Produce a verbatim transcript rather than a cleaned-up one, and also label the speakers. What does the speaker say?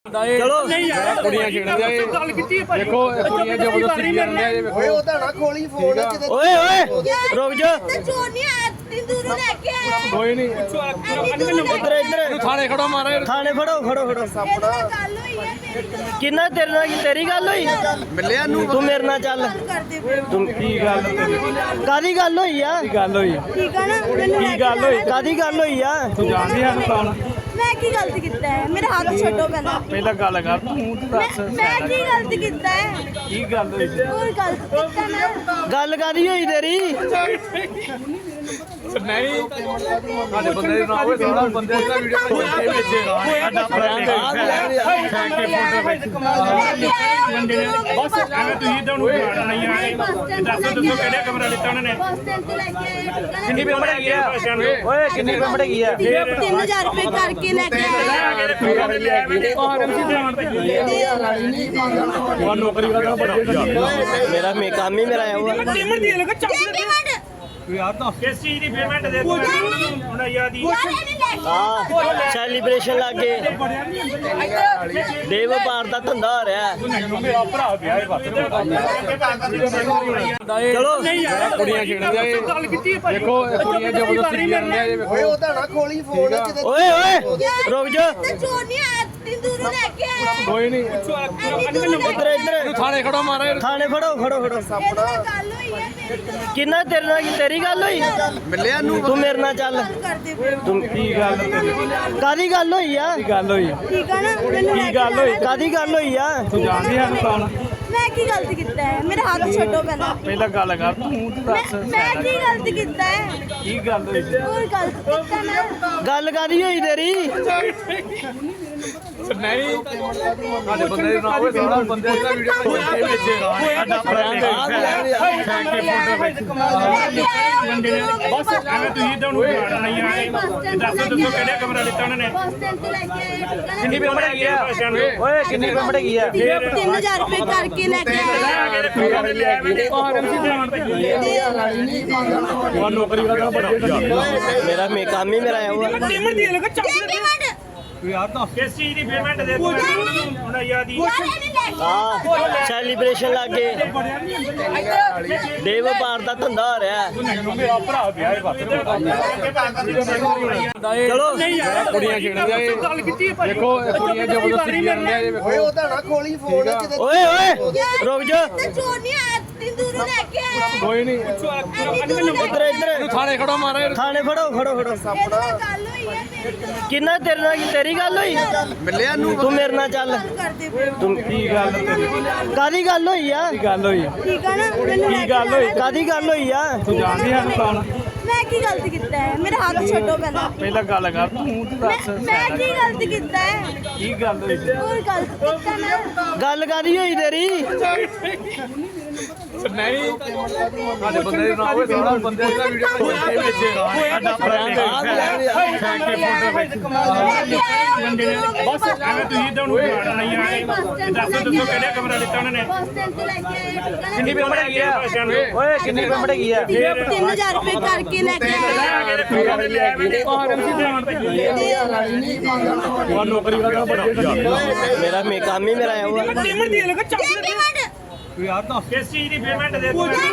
Speaker 1: ਚਲੋ ਕੁੜੀਆਂ ਖੇਡਦੇ ਆ ਗੱਲ ਕੀਤੀ ਦੇਖੋ ਕੁੜੀਆਂ ਜ਼ਬਰਦਸਤੀ ਕਰਦੇ ਆ ਇਹ ਵੇਖੋ
Speaker 2: ਓਏ ਉਹਦਾ ਨਾ ਖੋਲੀ ਫੋਨ ਕਿਤੇ
Speaker 1: ਓਏ ਓਏ ਰੁਕ ਜਾ
Speaker 3: ਚੋਰ ਨਹੀਂ ਆਇਆ ਦੂਰੋਂ ਲੈ ਕੇ ਆਇਆ
Speaker 1: ਕੋਈ ਨਹੀਂ
Speaker 3: ਇੱਧਰ
Speaker 1: ਇੱਧਰ ਥਾਣੇ ਖੜੋ ਮਾਰੇ
Speaker 4: ਥਾਣੇ ਫੜੋ ਫੜੋ ਫੜੋ
Speaker 3: ਗੱਲ ਹੋਈ ਹੈ ਮੇਰੀ ਤੋਂ
Speaker 4: ਕਿੰਨਾ ਤੇਰੇ ਨਾਲ ਤੇਰੀ ਗੱਲ ਹੋਈ
Speaker 2: ਮਿਲਿਆ ਨੂੰ
Speaker 4: ਤੂੰ ਮੇਰੇ ਨਾਲ ਚੱਲ
Speaker 3: ਕਰਦੇ ਪਏ
Speaker 1: ਤੂੰ ਕੀ ਗੱਲ
Speaker 4: ਕਾਦੀ ਗੱਲ ਹੋਈ ਆ
Speaker 1: ਕੀ ਗੱਲ ਹੋਈ
Speaker 3: ਠੀਕ ਆ ਨਾ ਮੈਨੂੰ
Speaker 1: ਕੀ ਗੱਲ ਹੋਈ
Speaker 4: ਕਾਦੀ ਗੱਲ ਹੋਈ ਆ
Speaker 1: ਤੂੰ ਜਾਣਦੀ ਆ ਕੌਣ
Speaker 3: ਮੈਂ ਕੀ ਗਲਤ ਕੀਤਾ ਹੈ ਮੇਰੇ ਹੱਥ ਛੱਡੋ ਪਹਿਲਾਂ
Speaker 1: ਪਹਿਲਾਂ ਗੱਲ ਕਰ ਤੂੰ ਤੂੰ ਦੱਸ
Speaker 3: ਮੈਂ ਮੈਂ ਕੀ ਗਲਤ ਕੀਤਾ ਹੈ
Speaker 1: ਕੀ ਗੱਲ ਹੋਈ
Speaker 3: ਕੋਈ ਗਲਤ ਕੀਤਾ ਨਾ
Speaker 4: ਗੱਲ ਕਾਦੀ ਹੋਈ ਤੇਰੀ
Speaker 1: ਨਹੀਂ ਸਾਡੇ ਬੰਦੇ ਦੇ ਨਾਲ ਹੋਏ ਸਾਡਾ ਬੰਦੇ ਦਾ ਵੀਡੀਓ ਬਣਾਈ ਵਿੱਚ ਸਾਡਾ ਫਰੈਂਡ ਥੈਂਕ ਯੂ
Speaker 3: ਬਸ
Speaker 5: ਐਵੇਂ ਤੁਸੀਂ ਤਾਂ ਉਹਨੂੰ ਜਾਣ ਨਹੀਂ ਆਏ ਦੱਸੋ ਦੱਸੋ ਕਿਹੜਾ ਕਮਰਾ ਲਿੱਤਾ ਉਹਨਾਂ ਨੇ
Speaker 3: ਬੱਸ ਸਟੈਂਡ ਤੋਂ ਲੈ ਕੇ ਆਏ
Speaker 4: ਕਿੰਨੀ ਪੇਮੈਂਟ ਹੈਗੀ ਆ ਓਏ ਕਿੰਨੀ ਪੇਮੈਂਟ ਹੈਗੀ ਆ
Speaker 3: ਤਿੰਨ ਹਜ਼ਾਰ ਰੁਪਏ ਕਰਕੇ ਲੈ ਕੇ ਆਏ
Speaker 1: ਉਹ ਨੌਕਰੀ ਕਰਦਾ ਬੜਾ
Speaker 4: ਮੇਰਾ ਮੇ ਕੰਮ ਹੀ ਮੇਰਾ ਆਇਆ ਹੋਇਆ
Speaker 3: ਪੇਮੈਂਟ
Speaker 1: ਯਾਰ ਤਾਂ
Speaker 5: ਕਿਸ ਚੀਜ਼ ਦੀ ਪੇਮੈਂਟ ਦੇ ਦੋ ਹੁਣ ਯਾਦ ਹੀ
Speaker 3: ਯਾਰ ਇਹਨੇ ਲੈ ਕੇ
Speaker 4: ਹਾਂ ਸੈਲੀਬ੍ਰੇਸ਼ਨ ਲੱਗੇ ਦੇ ਵਪਾਰ ਦਾ ਧੰਦਾ ਹੋ ਰਿਹਾ
Speaker 1: ਮੇਰਾ ਭਰਾ ਗਿਆ ਇਹ ਬਸ
Speaker 4: ਚਲੋ
Speaker 1: ਕੁੜੀਆਂ ਖੇਡਦੇ ਆ ਗੱਲ ਕੀਤੀ ਦੇਖੋ ਕੁੜੀਆਂ ਜ਼ਬਰਦਸਤੀ ਕਰਦੇ ਆ ਇਹ ਵੇਖੋ
Speaker 2: ਓਏ ਉਹਦਾ ਨਾ ਖੋਲੀ ਫੋਨ ਕਿਤੇ
Speaker 4: ਓਏ ਓਏ ਰੁਕ ਜਾ
Speaker 3: ਚੋਰ ਨਹੀਂ ਆਇਆ ਦੂਰੋਂ ਲੈ ਕੇ ਆਇਆ
Speaker 1: ਕੋਈ ਨਹੀਂ
Speaker 4: ਇੱਧਰ ਇੱਧਰ
Speaker 1: ਥਾਣੇ ਖੜੋ ਮਾਰੇ
Speaker 4: ਥਾਣੇ ਫੜੋ ਫੜੋ ਫੜੋ
Speaker 3: ਗੱਲ ਹੋਈ ਹੈ ਮੇਰੀ ਤੋਂ
Speaker 4: ਕਿੰਨਾ ਤੇਰੇ ਨਾਲ ਤੇਰੀ ਗੱਲ ਹੋਈ
Speaker 2: ਮਿਲਿਆ ਨੂੰ
Speaker 4: ਤੂੰ ਮੇਰੇ ਨਾਲ ਚੱਲ
Speaker 3: ਕਰਦੇ ਪਏ
Speaker 4: ਤੂੰ
Speaker 1: ਕੀ ਗੱਲ
Speaker 4: ਕਾਦੀ ਗੱਲ ਹੋਈ ਆ
Speaker 1: ਕੀ ਗੱਲ ਹੋਈ
Speaker 3: ਠੀਕ ਆ ਨਾ ਮੈਨੂੰ
Speaker 1: ਕੀ ਗੱਲ ਹੋਈ
Speaker 4: ਕਾਦੀ ਗੱਲ ਹੋਈ ਆ
Speaker 1: ਤੂੰ ਜਾਣਦੀ ਆ ਕੌਣ
Speaker 3: ਮੈਂ ਕੀ ਗਲਤ ਕੀਤਾ ਹੈ ਮੇਰੇ ਹੱਥ ਛੱਡੋ ਪਹਿਲਾਂ
Speaker 1: ਪਹਿਲਾਂ ਗੱਲ ਕਰ ਤੂੰ ਤੂੰ ਦੱਸ
Speaker 3: ਮੈਂ ਕੀ ਗਲਤ ਕੀਤਾ ਹੈ
Speaker 1: ਕੀ ਗੱਲ ਹੋਈ
Speaker 3: ਕੋਈ ਗਲਤ ਕੀਤਾ ਨਾ
Speaker 4: ਗੱਲ ਕਾਦੀ ਹੋਈ ਤੇਰੀ
Speaker 1: ਨਹੀਂ ਸਾਡੇ ਬੰਦੇ ਦੇ ਨਾਲ ਹੋਏ ਸਾਡਾ ਬੰਦੇ ਦਾ ਵੀਡੀਓ ਬਣਾਈ ਵਿੱਚ ਸਾਡਾ ਫਰੈਂਡ ਥੈਂਕ ਯੂ
Speaker 5: ਬਸ ਐਵੇਂ ਤੁਸੀਂ ਤਾਂ ਉਹਨੂੰ ਜਾਣ ਨਹੀਂ ਆਏ ਦੱਸੋ ਦੱਸੋ ਕਿਹੜਾ ਕਮਰਾ ਲਿੱਤਾ ਉਹਨਾਂ ਨੇ
Speaker 3: ਬੱਸ ਸਟੈਂਡ ਤੋਂ ਲੈ ਕੇ ਆਏ
Speaker 4: ਕਿੰਨੀ ਪੇਮੈਂਟ ਹੈਗੀ ਆ ਓਏ ਕਿੰਨੀ ਪੇਮੈਂਟ ਹੈਗੀ ਆ
Speaker 3: ਤਿੰਨ ਹਜ਼ਾਰ ਰੁਪਏ ਕਰਕੇ ਲੈ ਕੇ ਆਏ
Speaker 1: ਉਹ ਨੌਕਰੀ ਕਰਦਾ ਬੜਾ
Speaker 4: ਮੇਰਾ ਮੇ ਕੰਮ ਹੀ ਮੇਰਾ ਆਇਆ ਹੋਇਆ
Speaker 3: ਪੇਮੈਂਟ
Speaker 1: ਯਾਰ ਤਾਂ
Speaker 5: ਕਿਸ ਚੀਜ਼ ਦੀ ਪੇਮੈਂਟ ਦੇ ਦੋ ਹੁਣ ਯਾਦ ਹੀ
Speaker 3: ਯਾਰ ਇਹਨੇ ਲੈ ਕੇ
Speaker 4: ਹਾਂ ਸੈਲੀਬ੍ਰੇਸ਼ਨ ਲੱਗੇ ਦੇ ਵਪਾਰ ਦਾ ਧੰਦਾ ਹੋ ਰਿਹਾ
Speaker 1: ਮੇਰਾ ਭਰਾ ਗਿਆ ਇਹ ਬਸ
Speaker 4: ਚਲੋ
Speaker 1: ਕੁੜੀਆਂ ਖੇਡਦੇ ਆ ਗੱਲ ਕੀਤੀ ਦੇਖੋ ਕੁੜੀਆਂ ਜ਼ਬਰਦਸਤੀ ਕਰਦੇ ਆ ਇਹ ਵੇਖੋ
Speaker 2: ਓਏ ਉਹਦਾ ਨਾ ਖੋਲੀ ਫੋਨ ਕਿਤੇ
Speaker 4: ਓਏ ਓਏ ਰੁਕ ਜਾ
Speaker 3: ਚੋਰ ਨਹੀਂ ਆਇਆ ਦੂਰੋਂ ਲੈ ਕੇ ਆਇਆ
Speaker 1: ਕੋਈ ਨਹੀਂ
Speaker 4: ਇੱਧਰ ਇੱਧਰ
Speaker 1: ਥਾਣੇ ਖੜੋ ਮਾਰੇ
Speaker 4: ਥਾਣੇ ਫੜੋ ਫੜੋ ਫੜੋ
Speaker 3: ਗੱਲ ਹੋਈ ਹੈ ਮੇਰੀ ਤੋਂ
Speaker 4: ਕਿੰਨਾ ਤੇਰੇ ਨਾਲ ਤੇਰੀ ਗੱਲ ਹੋਈ
Speaker 2: ਮਿਲਿਆ ਨੂੰ
Speaker 4: ਤੂੰ ਮੇਰੇ ਨਾਲ ਚੱਲ
Speaker 3: ਕਰਦੇ ਪਏ
Speaker 4: ਤੂੰ
Speaker 1: ਕੀ ਗੱਲ
Speaker 4: ਕਾਦੀ ਗੱਲ ਹੋਈ ਆ
Speaker 1: ਕੀ ਗੱਲ ਹੋਈ
Speaker 3: ਠੀਕ ਆ ਨਾ ਮੈਨੂੰ
Speaker 1: ਕੀ ਗੱਲ ਹੋਈ
Speaker 4: ਕਾਦੀ ਗੱਲ ਹੋਈ ਆ
Speaker 1: ਤੂੰ ਜਾਣਦੀ ਆ ਕੌਣ
Speaker 3: ਮੈਂ ਕੀ ਗਲਤ ਕੀਤਾ ਹੈ ਮੇਰੇ ਹੱਥ ਛੱਡੋ ਪਹਿਲਾਂ
Speaker 1: ਪਹਿਲਾਂ ਗੱਲ ਕਰ ਤੂੰ ਤੂੰ ਦੱਸ
Speaker 3: ਮੈਂ ਕੀ ਗਲਤ ਕੀਤਾ ਹੈ
Speaker 1: ਕੀ ਗੱਲ ਹੋਈ
Speaker 3: ਕੋਈ ਗਲਤ ਕੀਤਾ ਨਾ
Speaker 4: ਗੱਲ ਕਾਦੀ ਹੋਈ ਤੇਰੀ
Speaker 1: ਨਹੀਂ ਸਾਡੇ ਬੰਦੇ ਦੇ ਨਾਲ ਹੋਏ ਸਾਡਾ ਬੰਦੇ ਦਾ ਵੀਡੀਓ ਬਣਾਈ ਵਿੱਚ ਸਾਡਾ ਫਰੈਂਡ ਥੈਂਕ ਯੂ
Speaker 5: ਬਸ ਐਵੇਂ ਤੁਸੀਂ ਤਾਂ ਉਹਨੂੰ ਜਾਣ ਨਹੀਂ ਆਏ ਦੱਸੋ ਦੱਸੋ ਕਿਹੜਾ ਕਮਰਾ ਲਿੱਤਾ ਉਹਨਾਂ ਨੇ
Speaker 3: ਬੱਸ ਸਟੈਂਡ ਤੋਂ ਲੈ ਕੇ ਆਏ
Speaker 4: ਕਿੰਨੀ ਪੇਮੈਂਟ ਹੈਗੀ ਆ ਓਏ ਕਿੰਨੀ ਪੇਮੈਂਟ ਹੈਗੀ ਆ
Speaker 3: ਤਿੰਨ ਹਜ਼ਾਰ ਰੁਪਏ ਕਰਕੇ ਲੈ ਕੇ ਆਏ
Speaker 1: ਉਹ ਨੌਕਰੀ ਕਰਦਾ ਬੜਾ
Speaker 4: ਮੇਰਾ ਮੇ ਕੰਮ ਹੀ ਮੇਰਾ ਆਇਆ ਹੋਇਆ
Speaker 3: ਪੇਮੈਂਟ
Speaker 1: ਯਾਰ ਤਾਂ
Speaker 5: ਕਿਸ ਚੀਜ਼ ਦੀ ਪੇਮੈਂਟ ਦੇ ਦੋ